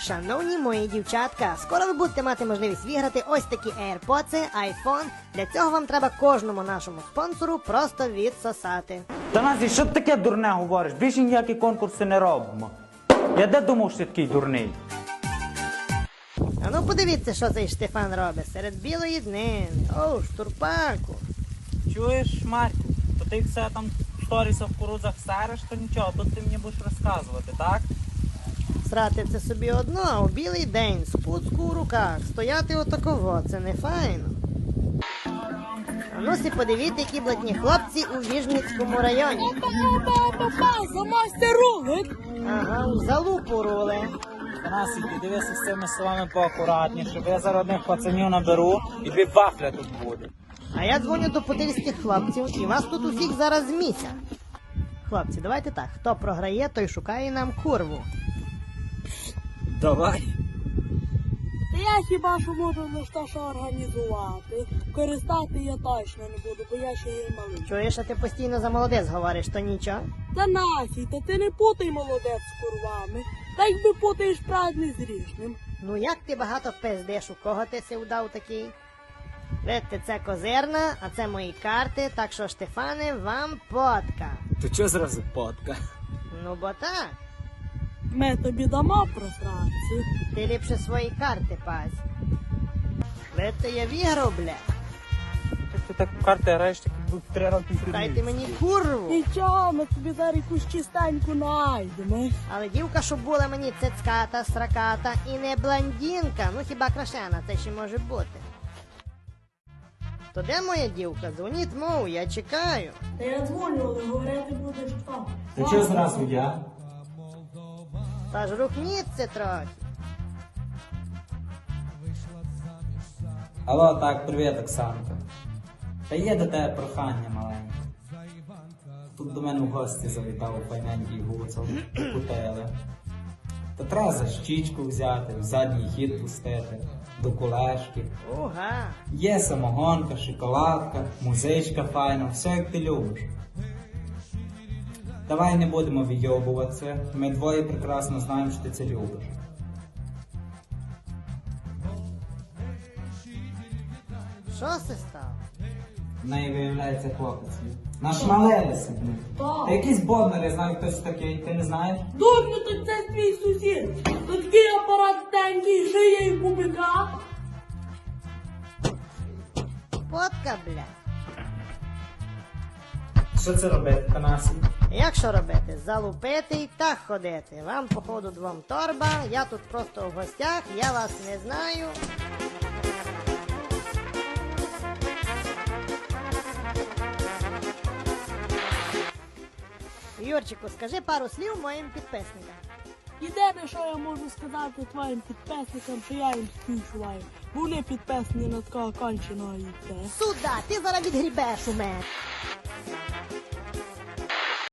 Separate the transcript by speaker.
Speaker 1: Шановні мої дівчатка, скоро ви будете мати можливість виграти ось такі AirPods, iPhone. Для цього вам треба кожному нашому спонсору просто відсосати.
Speaker 2: Танасій, що ти таке дурне говориш? Більше ніякі конкурси не робимо. Я де думав, що ти такий дурний?
Speaker 1: А ну подивіться, що цей Штефан робить серед білої днини. Оу, штурпаку.
Speaker 2: Чуєш, Марку, то ти все там в сторісах в кукурудзах сариш, то нічого, тут ти мені будеш розказувати, так?
Speaker 1: Срати це собі одно, а у білий день, спуцку у руках, стояти отаково, це не файно. А ну си подивіться, які блатні хлопці у Віжницькому районі.
Speaker 3: Замасти рулик.
Speaker 1: Ага, у залупу рули.
Speaker 2: Танасій, ти дивися з цими словами поакуратніше, бо я зараз одних пацанів наберу і дві вафля тут буде.
Speaker 1: А я дзвоню до подільських хлопців і вас тут усіх зараз змісять. Хлопці, давайте так, хто програє, той шукає нам курву.
Speaker 2: Давай.
Speaker 3: Я хіба що можу лише що організувати. Користати я точно не буду, бо я ще є малий.
Speaker 1: Чуєш, а ти постійно за молодець говориш, то нічого?
Speaker 3: Та нафій, та ти не путай молодець з курвами. Та якби путаєш правильний з ріжним.
Speaker 1: Ну як ти багато пиздиш, у кого ти си удав такий? Видите, це козирна, а це мої карти, так що, Штефане, вам потка.
Speaker 2: То чого зразу потка?
Speaker 1: Ну бо так,
Speaker 3: Ми тобі дамо просранці.
Speaker 1: ти ліпше свої карти пазь. Видите, я віграв, бля.
Speaker 2: Ти так в карти граєш, так 3 роки
Speaker 1: Дайте мені курву.
Speaker 3: Нічого, ми тобі зараз якусь чистеньку найдемо.
Speaker 1: Але дівка, щоб була мені цицьката, сраката і не блондинка, ну хіба крашена, це ще може бути. То де моя дівка? Дзвоніть мову, я чекаю.
Speaker 3: Та я дзвоню, але говорити будеш хто.
Speaker 2: Ти чого зразу я?
Speaker 1: Та ж рухніться трохи.
Speaker 2: Алло, так, привіт, Оксанка. Та є до тебе прохання маленьке. Тут до мене в гості завітав файненький гуцул, кутели. Та треба за щічку взяти, в задній хід пустити, до кулешки.
Speaker 1: Уга.
Speaker 2: Є самогонка, шоколадка, музичка файна, все як ти любиш. Давай не будемо відйобуватися, ми двоє прекрасно знаємо, що ти це любиш.
Speaker 1: Що це стало?
Speaker 2: В неї виявляється хлопець. Нашмалилися.
Speaker 3: Так.
Speaker 2: Та якийсь бондар, я знаю, хтось такий, ти не знаєш?
Speaker 3: Дурню, то це твій сусід. То такий апарат тенький, шиє і кубика.
Speaker 1: Потка, бля.
Speaker 2: Що це робити, Танасій?
Speaker 1: Як що робити? Залупити і так ходити. Вам, походу, двом торба, я тут просто в гостях, я вас не знаю. Юрчику, скажи пару слів моїм підписникам.
Speaker 3: Єдине, що я можу сказати твоїм підписникам, що я їм співчуваю. Вони підписані на такого конченого яйця.
Speaker 1: Сюда, ти зараз відгрібеш у мене.